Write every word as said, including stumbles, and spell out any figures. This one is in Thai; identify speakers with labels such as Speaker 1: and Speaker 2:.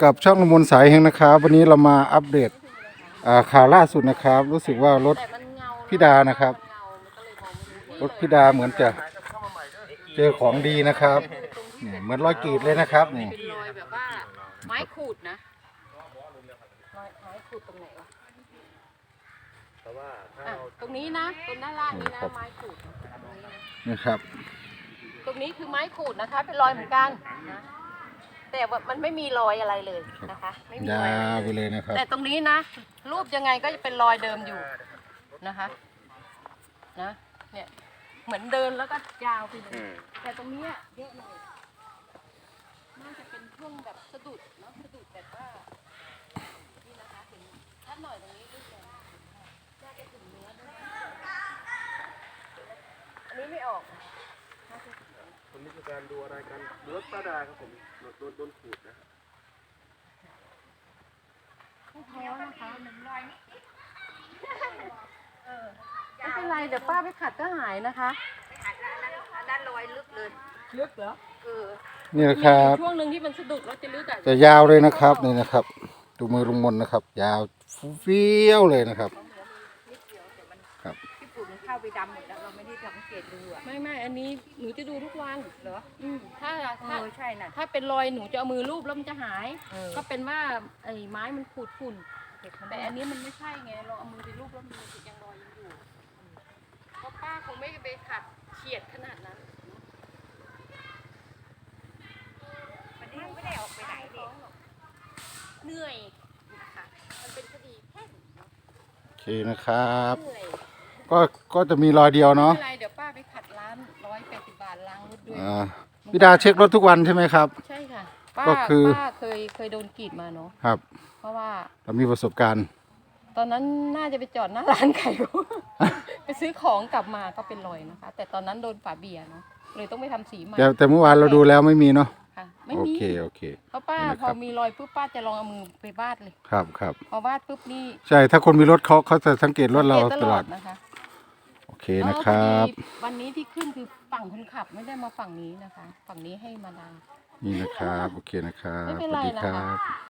Speaker 1: กับช่องละมุนสายเฮงนะครับวันนี้เรามาอัปเดตข่าวล่าสุดนะครับรู้สึกว่ารถพิดานะครับรถพิดาเหมือนจะเจอของดีนะครับเนี่ยเหมือนรอยกรีดเลยนะครับนี่
Speaker 2: เป็นรอยแบบว่าไม้ขูดนะรอยไม้ขูดตรงไหนวะอ่ะตรงนี้นะตรงด้านล่างนี้นะไม้ขูด
Speaker 1: นี่ครับ
Speaker 2: ตรงนี้คือไม้ขูดนะคะเป็นรอยเหมือนกันนะแต่ว่ามันไม่มีรอยอะไรเลยนะคะไม่มีรอยอะไร
Speaker 1: ไปเลยนะครับ
Speaker 2: แต่ตรงนี้นะรูปยังไงก็จะเป็นรอยเดิมอยู่นะคะนะเนี่ยเหมือนเดินแล้วก็ยาวไปเลยแต่ตรงนี้เยอะหน่อยน่าจะเป็นช่วงแบบสะดุดเนาะสะดุดแบบว่านี่นะคะถึงชัดหน่อยตรงนี้ด้วยกันน่าจะถึงเนื้อด้วยอันนี้ไม่ออก
Speaker 3: คนนี้คือการดูอะไรกันดูรถป้าดาครับผมโดนโดนขูดนะ
Speaker 2: ไม่แพ้นะคะหนึ่งรอยนี่ไม่เป็นไรเดี๋ยวป้าไปขัดก็หายนะคะไปขัดด้านรอยลึกเลยลึกเหรอเออ
Speaker 1: นี่นะครับ
Speaker 2: ช่วงหนึ่งที่มันสะดุดแล้วจะลึกอ่ะ
Speaker 1: จะยาวเลยนะครับนี่นะครับดูมือลุงมนนะครับยาวเฟี้ยวเลยนะครับ
Speaker 2: ครับที่ปุ่นเข้าไปดำหมดแล้วเราไม่ได้สังเกตดูอ่ะไม่ไม่อันนี้หนูจะดูทุกวันเหรออืมถ้าถ้าใช่น่ะถ้าเป็นรอยหนูจะเอามือลูบแล้วมันจะหายก็เป็นว่าไอ้ไม้มันขูดฝุ่นแต่อันนี้มันไม่ใช่ไงเราเอามือไปลูบแล้วมันยังรอยยังอยู่เพราะป้าคงไม่ไปขัดเฉียดขนาดนั้นวันนี้ไม่ได้ออกไปไหนเลยเหนื่อยนะคะมันเป็นคดีแพ่ง
Speaker 1: โอเคนะครับก็ก็จะมีรอยเดียวเนาะ
Speaker 2: ไม่เป็นไรเดี๋ยวป้าไปขัดร้านร้อยแปดสิบบาทล้างรถด้วย
Speaker 1: พี่ดาเช็ครถทุกวันใช่ไหมครับ
Speaker 2: ใช่ค่ะป้า
Speaker 1: ก็คือ
Speaker 2: ป้าเคยเคยโดนกรีดมาเนาะ
Speaker 1: ครับ
Speaker 2: เพราะว่า
Speaker 1: เรามีประสบการณ์
Speaker 2: ตอนนั้นน่าจะไปจอดหน้าร้านไก่ไปซื้อของกลับมาก็เป็นรอยนะคะแต่ตอนนั้นโดนฝาเบียร์เนาะเลยต้องไปทำสีใหม่
Speaker 1: แต่แต่เมื่อวานเราดูแล้วไม่มีเนาะ
Speaker 2: ค่ะไม่
Speaker 1: โอ
Speaker 2: มี
Speaker 1: เคโอเค
Speaker 2: เพราะป้าพอมีรอยปุ๊บป้าจะลองเอามือไปวาดเลย
Speaker 1: ครับครับ
Speaker 2: พอวาดปุ๊บนี่
Speaker 1: ใช่ถ้าคนมีรถเขาเขาจะสังเกตรถเราตลอด
Speaker 2: นะคะ
Speaker 1: โอเคนะครับ
Speaker 2: วันนี้ที่ขึ้นคือฝั่งคนขับไม่ได้มาฝั่งนี้นะคะฝั่งนี้ให้มาดาม
Speaker 1: นี่นะครับโอเคนะครับสวัสดีครับ